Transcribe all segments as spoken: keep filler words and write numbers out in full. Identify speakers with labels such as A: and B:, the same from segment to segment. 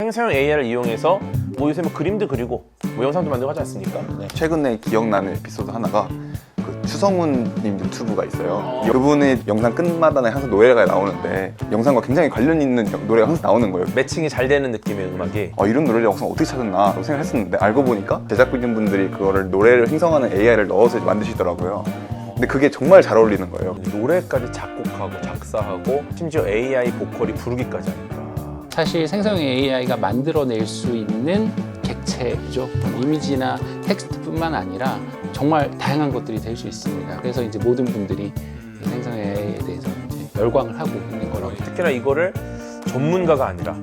A: 생성형 에이아이를 이용해서 뭐 요새 뭐 그림도 그리고 뭐 영상도 만들고 하지 않습니까? 네.
B: 최근에 기억나는 에피소드 하나가 그 추성훈님 유튜브가 있어요. 그분의 영상 끝마다 항상 노래가 나오는데 영상과 굉장히 관련 있는 노래가 항상 나오는 거예요.
A: 매칭이 잘 되는 느낌의 음악이
B: 어, 이런 노래를 영상 어떻게 찾았나 라고 생각했었는데 알고 보니까 제작진분들이 그거를 노래를 생성하는 에이아이를 넣어서 만드시더라고요. 근데 그게 정말 잘 어울리는 거예요.
A: 노래까지 작곡하고 작사하고 심지어 에이아이 보컬이 부르기까지 하니까
C: 사실 생성형 에이아이가 만들어낼 수 있는 객체죠. 이미지나 텍스트뿐만 아니라 정말 다양한 것들이 될 수 있습니다. 그래서 이제 모든 분들이 생성형 에이아이에 대해서 이제 열광을 하고 있는 거라고.
A: 특히나 이거를 전문가가 아니라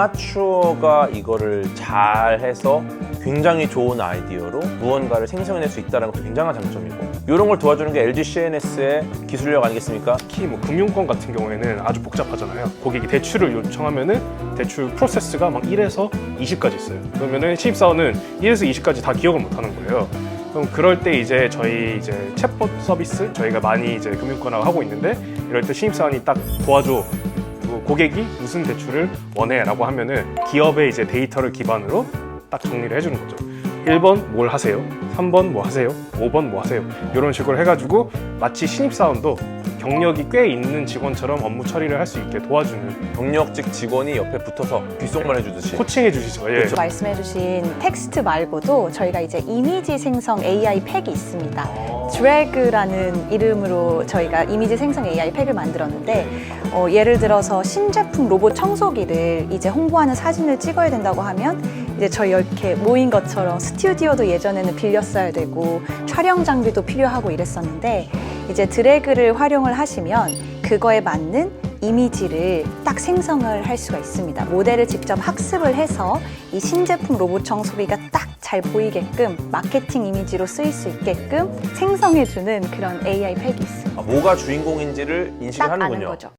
A: 아마추어가 이거를 잘 해서 굉장히 좋은 아이디어로 무언가를 생성해낼 수 있다는 것도 굉장한 장점이고, 이런 걸 도와주는 게 엘지 씨엔에스의 기술력 아니겠습니까?
D: 특히 뭐 금융권 같은 경우에는 아주 복잡하잖아요. 고객이 대출을 요청하면은 대출 프로세스가 막 일에서 이십까지 있어요. 그러면은 신입사원은 일에서 이십까지 다 기억을 못 하는 거예요. 그럼 그럴 때 이제 저희 이제 챗봇 서비스 저희가 많이 이제 금융권하고 하고 있는데, 이럴 때 신입사원이 딱 도와줘. 그리고 고객이 무슨 대출을 원해라고 하면은 기업의 이제 데이터를 기반으로 딱 정리를 해주는 거죠. 일 번 뭘 하세요? 삼 번 뭐 하세요? 오 번 뭐 하세요? 이런 식으로 해가지고 마치 신입사원도 경력이 꽤 있는 직원처럼 업무 처리를 할 수 있게 도와주는,
A: 경력직 직원이 옆에 붙어서 귓속말 해주듯이
D: 코칭해 주시죠. 예.
E: 말씀해주신 텍스트 말고도 저희가 이제 이미지 생성 에이아이 팩이 있습니다. 드래그라는 이름으로 저희가 이미지 생성 에이아이 팩을 만들었는데, 어, 예를 들어서 신제품 로봇 청소기를 이제 홍보하는 사진을 찍어야 된다고 하면 이제 저희 이렇게 모인 것처럼 스튜디오도 예전에는 빌렸어야 되고 촬영 장비도 필요하고 이랬었는데, 이제 드래그를 활용을 하시면 그거에 맞는 이미지를 딱 생성을 할 수가 있습니다. 모델을 직접 학습을 해서 이 신제품 로봇 청소기가 딱 잘 보이게끔 마케팅 이미지로 쓰일 수 있게끔 생성해주는 그런 에이아이 팩이 있습니다.
A: 아, 뭐가 주인공인지를 인식을
E: 딱 아는
A: 하는군요.
E: 거죠.